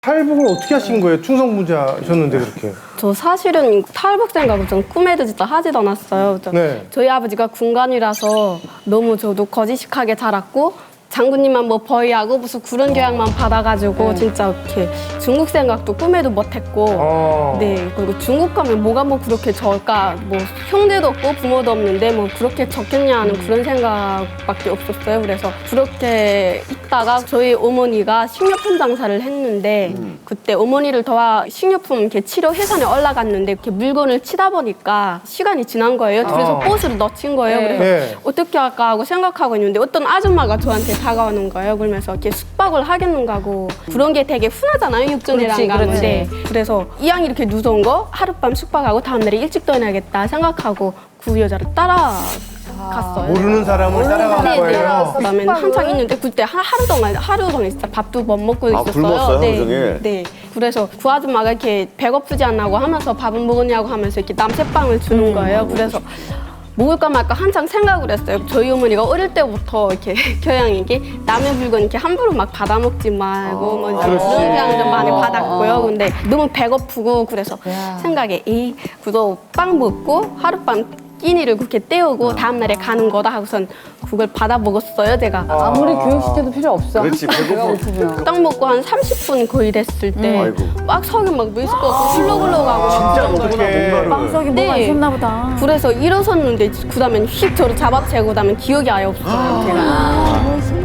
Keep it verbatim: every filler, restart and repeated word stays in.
탈북을 어떻게 하신 거예요? 충성부자셨는데 그렇게. 저 사실은 탈북 생각을 좀 꿈에도 진짜 하지도 않았어요. 저- 네. 저희 아버지가 군관이라서 너무 저도 거지식하게 자랐고 장군님만 뭐 버이하고 무슨 그런 교양만 받아가지고 진짜 이렇게 중국 생각도 꿈에도 못했고 어. 네, 그리고 중국 가면 뭐가 뭐 그렇게 적을까, 뭐 형제도 없고 부모도 없는데 뭐 그렇게 적겠냐 하는 그런 생각밖에 없었어요. 그래서 그렇게 있다가 저희 어머니가 식료품 장사를 했는데 그때 어머니를 도와 식료품 이렇게 치료 회사에 올라갔는데 이렇게 물건을 치다 보니까 시간이 지난 거예요. 그래서 아. 꽃을 넣친 거예요. 네. 그래서 네. 어떻게 할까 하고 생각하고 있는데 어떤 아줌마가 저한테 다가오는 거예요. 그러면서 이렇게 숙박을 하겠는가 하고 그런 게 되게 흔하잖아요. 육전이랑 그렇지, 가면. 그렇지. 네. 그래서 이왕 이렇게 누운 거 하룻밤 숙박하고 다음날에 일찍 떠나야겠다 생각하고 그 여자를 따라갔어요. 모르는 사람을 따라간 네, 네. 거예요. 그다음에 한창 있는데 그때 하- 하루 동안 하루 동안 진짜 밥도 못 먹고 아, 있었어요. 굶었어요, 네, 하루 종일? 네. 그래서 그 아줌마가 이렇게 배고프지 않냐고 하면서 밥은 먹었냐고 하면서 이렇게 남새빵을 주는 거예요. 그래서 먹을까 말까 한창 생각을 했어요. 저희 어머니가 어릴 때부터 이렇게 교양인 게 남의 물건 이렇게 함부로 막 받아 먹지 말고 뭐 이제 그렇지. 그런 교양을 좀 많이 받았고요. 근데 너무 배고프고 그래서 야. 생각에 이 그거 빵 먹고 하룻밤 끼니를 그렇게 때우고 다음날에 가는 거다 하고선 그걸 받아 먹었어요, 제가. 아무리 교육 시켜도 필요 없어. 그렇지, 배가 배고파. 고프면. 딱 먹고 한 삼십 분 거의 됐을 때 아이고. 막 속이 막 미스고 훌러훌러가고 진짜 그런 먹구나, 거예요. 뭔가를. 빵석이 뭐가 네. 있었나 보다. 그래서 일어섰는데 그 다음에 휙 저를 잡아채고 그다음에 기억이 아예 없었어요, 제가.